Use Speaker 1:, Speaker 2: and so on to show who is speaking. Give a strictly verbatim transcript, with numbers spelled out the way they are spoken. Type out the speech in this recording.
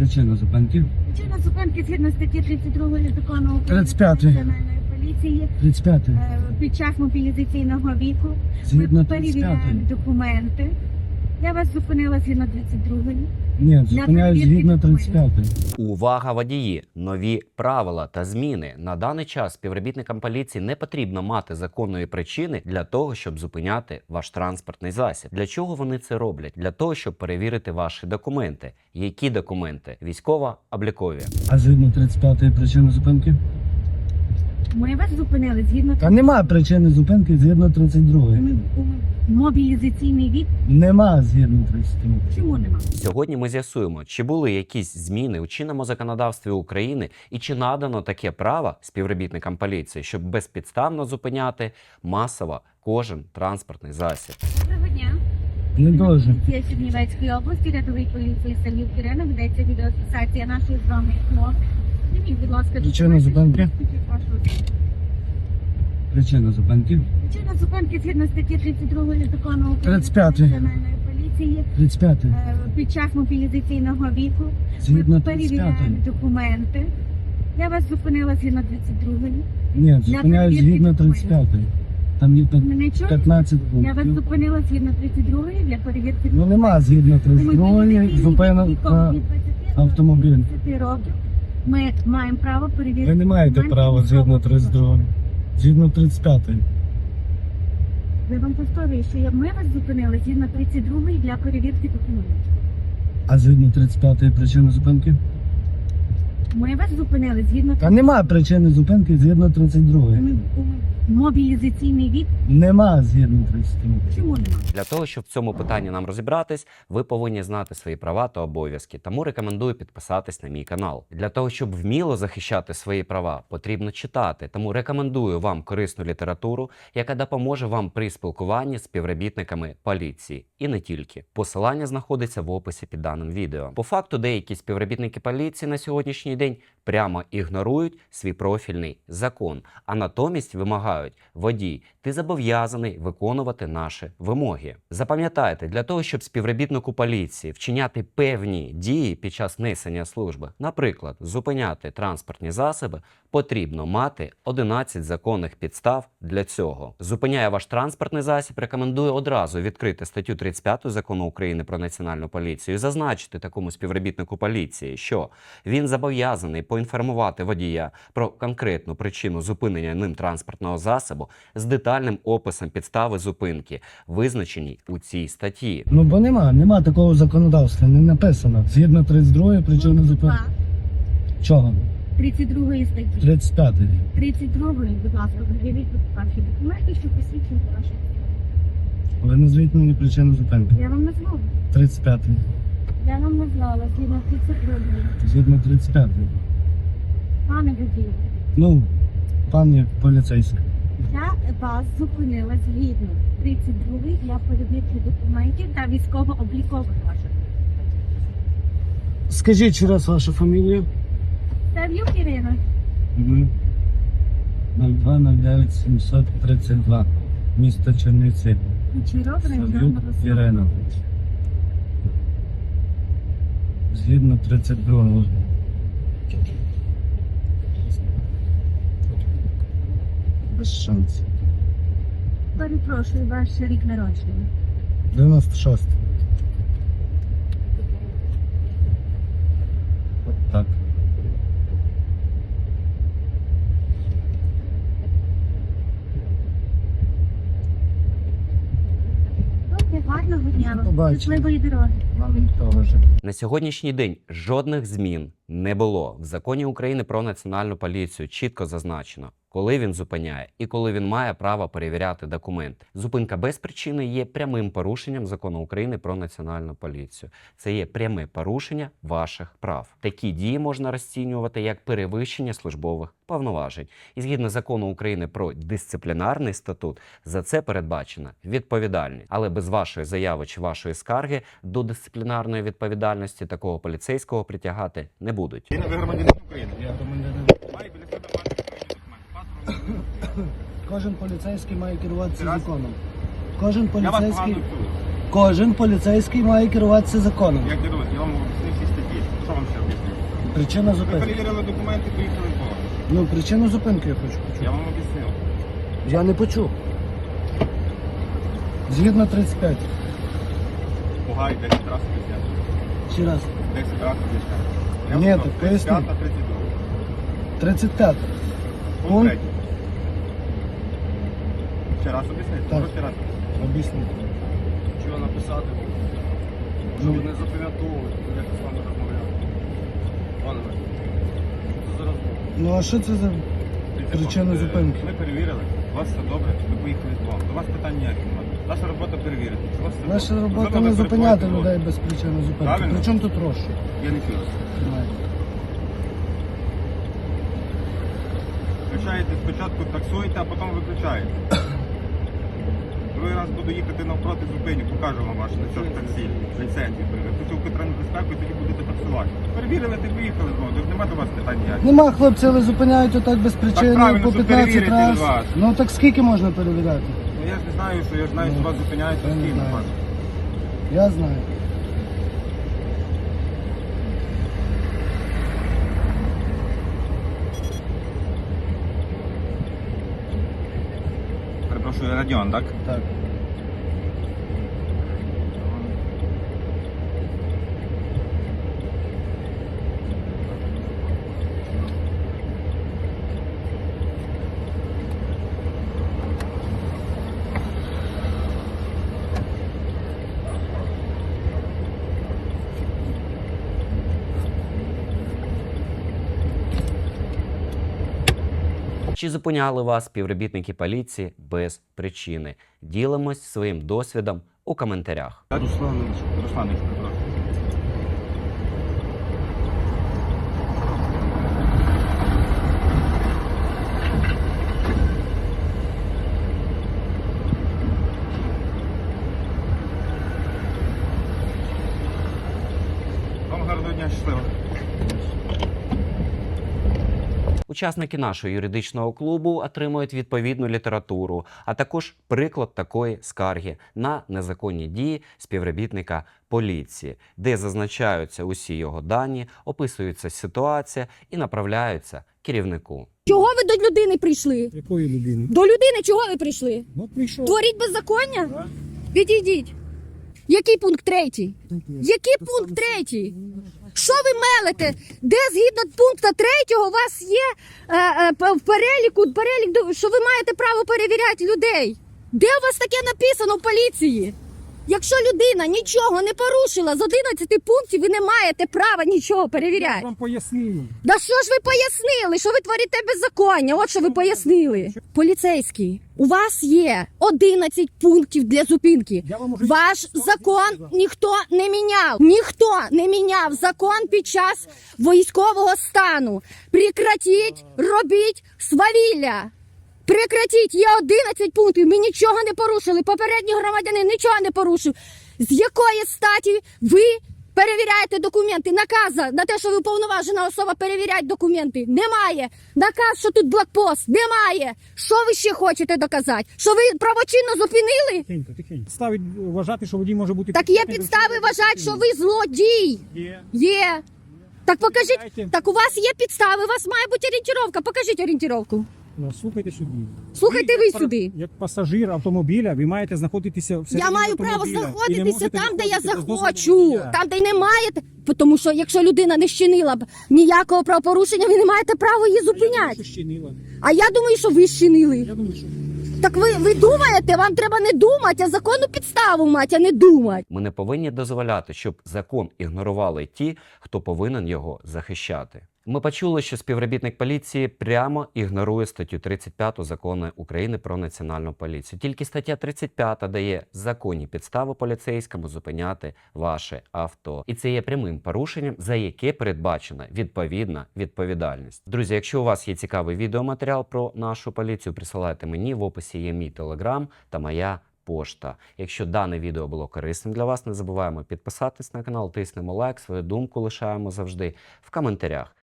Speaker 1: Причина зупинки?
Speaker 2: Причина зупинки згідно статті тридцять другої закону України
Speaker 1: тридцять п'ятої.
Speaker 2: Національної поліції
Speaker 1: тридцять п'ятий.
Speaker 2: е, під час мобілізаційного віку
Speaker 1: Згідно
Speaker 2: ми
Speaker 1: тридцять
Speaker 2: перевіряємо
Speaker 1: п'ятої.
Speaker 2: документи. Я вас зупинила згідно тридцять другої.
Speaker 1: Ні, зупиняю
Speaker 2: перевірки
Speaker 1: згідно тридцять п'ятої.
Speaker 3: Увага, водії! Нові правила та зміни. На даний час співробітникам поліції не потрібно мати законної причини для того, щоб зупиняти ваш транспортний засіб. Для чого вони це роблять? Для того, щоб перевірити ваші документи. Які документи? Військово-облікові.
Speaker 1: А згідно тридцять п'ятої причини зупинки?
Speaker 2: Ми вас зупинили згідно
Speaker 1: Та нема причини зупинки згідно тридцять другої.
Speaker 2: Ми- у мобілізаційний вік.
Speaker 1: Нема згідно тридцять другої.
Speaker 2: Чому нема?
Speaker 3: Сьогодні ми з'ясуємо, чи були якісь зміни у чинному законодавстві України і чи надано таке право співробітникам поліції, щоб безпідставно зупиняти масово кожен транспортний засіб.
Speaker 2: Доброго дня.
Speaker 1: Не дуже.
Speaker 2: Поліція Чернівецької області, рядовий поліції Сергій Кирина, ведеться відеофіксація нашої з вами розмови. Зніміть, будь ласка,
Speaker 1: Причина зупинки? Причина зупинки?
Speaker 2: Причина зупинки згідно статті тридцять другої закону України
Speaker 1: тридцять п'ятої.
Speaker 2: Національної поліції
Speaker 1: тридцять п'ятий.
Speaker 2: е, під час мобілізаційного віку
Speaker 1: Згідно
Speaker 2: ми
Speaker 1: тридцять
Speaker 2: перевіряємо
Speaker 1: п'ятої.
Speaker 2: документи. Я вас зупинила згідно тридцять другої.
Speaker 1: Ні, зупиняю
Speaker 2: перевірки
Speaker 1: згідно тридцять п'ятої. Там є п'ят-
Speaker 2: Мене чуєте?
Speaker 1: п'ятнадцять
Speaker 2: Я вас
Speaker 1: пунктів.
Speaker 2: зупинила згідно тридцять другої для перевірки.
Speaker 1: Ну нема згідно тридцять другої
Speaker 2: Мобілізаційний
Speaker 1: зупинок
Speaker 2: вік
Speaker 1: на
Speaker 2: від двадцяти до
Speaker 1: автомобіль.
Speaker 2: тридцяти років. Ми маємо право перевірити.
Speaker 1: Ви не маєте
Speaker 2: документи
Speaker 1: права згідно
Speaker 2: військового
Speaker 1: тридцять другої. Згідно тридцять п'ятої.
Speaker 2: Я вам повторюю, що я- ми вас зупинили згідно тридцять другої для перевірки документів.
Speaker 1: А згідно тридцять п'ятої причини зупинки?
Speaker 2: Ми вас зупинили згідно
Speaker 1: Та нема причини зупинки згідно тридцять другої.
Speaker 2: Ми- у мобілізаційний вік.
Speaker 1: Нема згідно тридцять другої.
Speaker 2: Чому нема?
Speaker 3: Для того, щоб в цьому питанні нам розібратись, ви повинні знати свої права та обов'язки. Тому рекомендую підписатись на мій канал. Для того, щоб вміло захищати свої права, потрібно читати. Тому рекомендую вам корисну літературу, яка допоможе вам при спілкуванні з співробітниками поліції. І не тільки. Посилання знаходиться в описі під даним відео. По факту, деякі співробітники поліції на сьогоднішній день прямо ігнорують свій профільний закон, а натомість вимагають: водій, ти зобов'язаний виконувати наші вимоги. Запам'ятайте, для того, щоб співробітнику поліції вчиняти певні дії під час несення служби, наприклад, зупиняти транспортні засоби, потрібно мати одинадцять законних підстав для цього. Зупиняє ваш транспортний засіб, рекомендую одразу відкрити статтю тридцять п'яту Закону України про національну поліцію і зазначити такому співробітнику поліції, що він зобов'язаний поінформувати водія про конкретну причину зупинення ним транспортного засобу з детальним описом підстави зупинки, визначеній у цій статті.
Speaker 1: Ну бо нема, нема такого законодавства, не написано. Згідно тридцять другої причини зупинки. Чого?
Speaker 2: тридцять другої статті.
Speaker 1: тридцять п'ятої.
Speaker 2: тридцять другої, будь ласка, пред'явіть ваші документи, що посвідчують ваші.
Speaker 1: Ви назвіть мені причину зупинки.
Speaker 2: Я вам назвала.
Speaker 1: тридцять п'ятої.
Speaker 2: Я вам назвала згідно тридцять другої.
Speaker 1: Згідно тридцять п'ятої.
Speaker 2: Пане водію,
Speaker 1: Ну, пані поліцейський.
Speaker 2: я вас зупинила згідно тридцять другої для перевірки документів та військово-облікових ваших.
Speaker 1: Скажіть ще раз вашу фамілію.
Speaker 2: Сав'юк Ірина.
Speaker 1: Угу. нуль два нуль дев'ять сімсот тридцять два. Місто Чернівці.
Speaker 2: Кучеров
Speaker 1: Сав'юк
Speaker 2: Район
Speaker 1: Ірина. Згідно тридцять другого. Без шансів.
Speaker 2: Перепрошую, ваш рік народження.
Speaker 1: дев'яносто шість. От так.
Speaker 2: Добре, гарного дня вам.
Speaker 1: Побачимо.
Speaker 2: Щасливої дороги.
Speaker 1: Вам того ж.
Speaker 3: На сьогоднішній день жодних змін не було. В Законі України про національну поліцію чітко зазначено, коли він зупиняє і коли він має право перевіряти документи. Зупинка без причини є прямим порушенням Закону України про національну поліцію. Це є пряме порушення ваших прав. Такі дії можна розцінювати як перевищення службових повноважень. І згідно Закону України про дисциплінарний статут, за це передбачена відповідальність. Але без вашої заяви чи вашої скарги до дисциплінарної відповідальності такого поліцейського притягати не будуть.
Speaker 4: Ви громадянин України.
Speaker 1: Я громадянин.
Speaker 4: Має біля себе мати відповідні документи. Паспорт.
Speaker 1: Кожен поліцейський має керуватися законом. Кожен
Speaker 4: Я вас
Speaker 1: поліцейський,
Speaker 4: погано чую.
Speaker 1: кожен поліцейський має керуватися законом.
Speaker 4: Як керують? Я вам об'яснив всі статті. Що вам ще робити?
Speaker 1: Причина
Speaker 4: Ви
Speaker 1: зупинки.
Speaker 4: перевірили документи, поїхали в Бога.
Speaker 1: Ну, причину зупинки я хочу почути.
Speaker 4: Я вам об'яснив.
Speaker 1: Я не почув. Згідно тридцять п'ять.
Speaker 4: Пугай десять разів об'ясняти.
Speaker 1: Ще раз.
Speaker 4: десять разів об'ясняти. Я
Speaker 1: Ні,
Speaker 4: вам
Speaker 1: так
Speaker 4: сказав,
Speaker 1: поясни.
Speaker 4: тридцять п'ять, тридцять два.
Speaker 1: тридцять п'ять.
Speaker 4: Пункт
Speaker 1: Пункт.
Speaker 4: третій. Ще раз об'яснити?
Speaker 1: Так.
Speaker 4: Можу ще раз?
Speaker 1: Об'ясніть.
Speaker 5: Чого написати?
Speaker 1: Ну.
Speaker 5: Щоб не запам'ятовувати, як я з вами розмовляв. Пане Василь, що це за розмова?
Speaker 1: Ну а що це за
Speaker 4: Дивіться,
Speaker 1: причина
Speaker 4: е,
Speaker 1: зупинки?
Speaker 4: Ми перевірили, у вас все добре, ви поїхали з Богом. До вас питань ніяких немає. Наша робота перевірити. Чи у вас все
Speaker 1: Наша
Speaker 4: добре?
Speaker 1: робота
Speaker 4: Можливо,
Speaker 1: не
Speaker 4: ви
Speaker 1: зупиняти
Speaker 4: перебуваєте
Speaker 1: людей без причини зупинки.
Speaker 4: Правильно.
Speaker 1: При чому тут розшук?
Speaker 4: в- Я не чую.
Speaker 1: Немає.
Speaker 4: Включаєте спочатку, таксуєте, а потім виключаєте. Другий раз буду їхати навпроти зупиню, покажу вам ваш листок таксі, ліцензію. Якщо ви патрульну безпеку, тоді будете таксувати. Перевірили, ти поїхали знову, тож немає до вас питань ніяких.
Speaker 1: Нема, хлопці, але зупиняють отак без причини
Speaker 4: правильно,
Speaker 1: по
Speaker 4: щоб
Speaker 1: п'ятнадцять
Speaker 4: перевірити
Speaker 1: разів.
Speaker 4: вас.
Speaker 1: Ну так скільки можна перевіряти?
Speaker 4: Ну я ж не знаю, що я ж знаю, що
Speaker 1: Ну,
Speaker 4: вас зупиняють
Speaker 1: я не
Speaker 4: постійно.
Speaker 1: знаю.
Speaker 4: пане.
Speaker 1: Я знаю.
Speaker 4: Перепрошую, Радіон, так?
Speaker 1: Так.
Speaker 3: Чи зупиняли вас співробітники поліції без причини? Ділимось своїм досвідом у коментарях.
Speaker 4: Русланович. Русланович, перепрошую. Вам гарного дня, щасливо.
Speaker 3: Учасники нашого юридичного клубу отримують відповідну літературу, а також приклад такої скарги на незаконні дії співробітника поліції, де зазначаються усі його дані, описується ситуація і направляються керівнику.
Speaker 6: Чого ви до людини прийшли?
Speaker 7: Якої людини?
Speaker 6: До людини чого ви прийшли?
Speaker 7: Ну, прийшов.
Speaker 6: Творіть беззаконня? Відійдіть. Який пункт третій? Який пункт третій? Що ви мелите? Де згідно пункту третього у вас є е, е, п- в переліку, перелік, до- що ви маєте право перевіряти людей? Де у вас таке написано в поліції? Якщо людина нічого не порушила з одинадцяти пунктів, ви не маєте права нічого
Speaker 7: Я
Speaker 6: перевіряти.
Speaker 7: вам пояснив.
Speaker 6: Да що ж ви пояснили? Що ви творите беззаконня? От що ви пояснили. Поліцейський, у вас є одинадцять пунктів для зупинки.
Speaker 7: Я вам уже
Speaker 6: Ваш закон
Speaker 7: сказав.
Speaker 6: ніхто не міняв. Ніхто не міняв закон під час військового стану. Прекратіть, робіть свавілля. Прекратіть, є одинадцять пунктів, ми нічого не порушили. Попередній громадянин нічого не порушив. З якої статі ви перевіряєте документи? Наказа на те, що ви уповноважена особа перевіряти документи, немає. Наказ, що тут блокпост, немає. Що ви ще хочете доказати? Що ви правочинно зупинили?
Speaker 7: Тихенько, тихенько. Ставить вважати, що водій може бути...
Speaker 6: Так є підстави вважати, що ви злодій.
Speaker 7: Є.
Speaker 6: Є. Так покажіть,
Speaker 7: Дайте.
Speaker 6: так у вас є підстави, у вас має бути орієнтировка. Покажіть орієнтировку.
Speaker 7: Ну, слухайте сюди.
Speaker 6: Слухайте ви
Speaker 7: як пар-
Speaker 6: сюди.
Speaker 7: Як пасажир автомобіля, ви маєте знаходитися всередині
Speaker 6: Я маю право
Speaker 7: автомобіля і не
Speaker 6: знаходитися
Speaker 7: можете
Speaker 6: там, де я
Speaker 7: виходити без дозволу
Speaker 6: захочу.
Speaker 7: водія.
Speaker 6: Там, де й не маєте. Тому що якщо людина не вчинила б ніякого правопорушення, ви не маєте права її
Speaker 7: Я думаю,
Speaker 6: зупиняти.
Speaker 7: що щинила.
Speaker 6: А я думаю, що ви вчинили.
Speaker 7: Я думаю, що...
Speaker 6: Так ви, ви думаєте, вам треба не думати, а законну підставу мати, а не думати.
Speaker 3: Ми не повинні дозволяти, щоб закон ігнорували ті, хто повинен його захищати. Ми почули, що співробітник поліції прямо ігнорує статтю тридцять п'яту Закону України про національну поліцію. Тільки стаття тридцять п'ята дає законні підстави поліцейському зупиняти ваше авто. І це є прямим порушенням, за яке передбачена відповідна відповідальність. Друзі, якщо у вас є цікавий відеоматеріал про нашу поліцію, присилайте мені, в описі є мій телеграм та моя пошта. Якщо дане відео було корисним для вас, не забуваємо підписатись на канал, тиснемо лайк, свою думку лишаємо завжди в коментарях.